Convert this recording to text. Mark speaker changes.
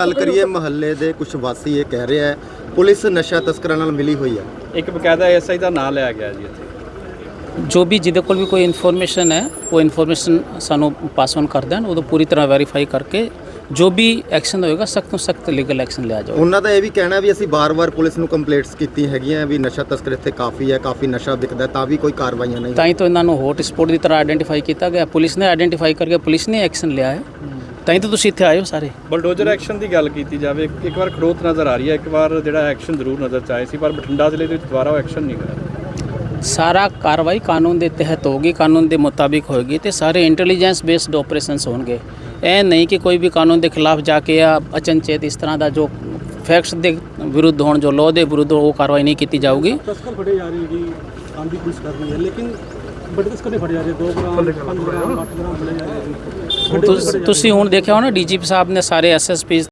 Speaker 1: ਗੱਲ ਕਰੀਏ ਮੁਹੱਲੇ ਦੇ ਕੁਝ ਵਾਸੀ ਇਹ ਕਹਿ ਰਿਹਾ ਹੈ ਪੁਲਿਸ ਨਸ਼ਾ ਤਸਕਰਾਂ ਨਾਲ ਮਿਲੀ ਹੋਈ ਹੈ।
Speaker 2: ਇੱਕ ਬਕਾਇਦਾ ਐਸਆਈ ਦਾ ਨਾਂ ਲਿਆ ਗਿਆ ਜੀ ਇੱਥੇ।
Speaker 3: ਜੋ ਵੀ ਜਿਹਦੇ ਕੋਲ ਵੀ ਕੋਈ ਇਨਫੋਰਮੇਸ਼ਨ ਹੈ ਉਹ ਇਨਫੋਰਮੇਸ਼ਨ ਸਾਨੂੰ ਪਾਸ ਔਨ ਕਰ ਦੇਣ, ਉਦੋਂ ਪੂਰੀ ਤਰ੍ਹਾਂ ਵੈਰੀਫਾਈ ਕਰਕੇ ਜੋ ਵੀ ਐਕਸ਼ਨ ਹੋਏਗਾ ਸਖਤ ਤੋਂ ਸਖਤ ਲੀਗਲ ਐਕਸ਼ਨ ਲਿਆ ਜਾਊਗਾ।
Speaker 1: ਉਹਨਾਂ ਦਾ ਇਹ ਵੀ ਕਹਿਣਾ ਵੀ ਅਸੀਂ ਬਾਰ-ਬਾਰ ਪੁਲਿਸ ਨੂੰ ਕੰਪਲੇਂਟਸ ਕੀਤੀ ਹੈਗੀਆਂ ਵੀ ਨਸ਼ਾ ਤਸਕਰ ਇੱਥੇ ਕਾਫੀ ਹੈ, ਕਾਫੀ ਨਸ਼ਾ ਵਿਕਦਾ, ਤਾਂ ਵੀ ਕੋਈ ਕਾਰਵਾਈਆਂ ਨਹੀਂ।
Speaker 3: ਤਾਂ ਹੀ ਤਾਂ ਇਹਨਾਂ ਨੂੰ ਹੌਟ ਸਪੌਟ ਦੀ ਤਰ੍ਹਾਂ ਆਇਡੈਂਟੀਫਾਈ ਕੀਤਾ ਗਿਆ, ਪੁਲਿਸ ਨੇ ਆਇਡੈਂਟੀਫਾਈ ਕਰਕੇ ਪੁਲਿਸ ਨੇ ਐਕਸ਼ਨ ਲਿਆ ਹੈ। ਤਾਂ ਹੀ ਤਾਂ ਤੁਸੀਂ ਇੱਥੇ ਆਏ ਹੋ ਸਾਰੇ।
Speaker 2: ਬਲਡੋਜ਼ਰ ਐਕਸ਼ਨ ਦੀ ਗੱਲ ਕੀਤੀ ਜਾਵੇ, ਇੱਕ ਵਾਰ ਖੜੋਤ ਨਜ਼ਰ ਆ ਰਹੀ ਹੈ, ਇੱਕ ਵਾਰ ਜਿਹੜਾ ਐਕਸ਼ਨ ਜ਼ਰੂਰ ਨਜ਼ਰ 'ਚ ਆਏ ਸੀ, ਪਰ ਬਠਿੰਡਾ ਜ਼ਿਲ੍ਹੇ ਦੇ ਵਿੱਚ ਦੁਬਾਰਾ ਉਹ ਐਕਸ਼ਨ ਨਹੀਂ ਹੋਇਆ।
Speaker 3: ਸਾਰਾ ਕਾਰਵਾਈ ਕਾਨੂੰਨ ਦੇ ਤਹਿਤ ਹੋਗੀ, ਕਾਨੂੰਨ ਦੇ ਮੁਤਾਬਿਕ ਹੋਏਗੀ ਤੇ ਸਾਰੇ ਇੰਟੈਲੀਜੈਂਸ ਬੇਸਡ ਆਪਰੇਸ਼ਨਸ ਹੋਣਗੇ। ਇਹ ਨਹੀਂ ਕਿ ਕੋਈ ਵੀ ਕਾਨੂੰਨ ਦੇ ਖਿਲਾਫ ਜਾ ਕੇ ਜਾਂ ਅਚਨਚੇਤ ਇਸ ਤਰ੍ਹਾਂ ਦਾ ਜੋ ਫੈਕਟਸ ਦੇ ਵਿਰੁੱਧ ਹੋਣ, ਜੋ ਲਾਅ ਦੇ ਵਿਰੁੱਧ ਉਹ ਕਾਰਵਾਈ ਨਹੀਂ ਕੀਤੀ ਜਾਊਗੀ।
Speaker 4: तस्कर फटे जा रही है, काम भी पुलिस कर रही है, लेकिन बड़े तस्कर नहीं फटे जा रहे, 2 ग्राम 5 ग्राम 8 ग्राम फटे जा रहे हैं।
Speaker 3: ਤੁਸੀਂ ਹੁਣ ਦੇਖਿਆ ਹੋਣਾ ਡੀਜੀਪੀ ਸਾਹਿਬ ਨੇ ਸਾਰੇ ਐਸਐਸਪੀ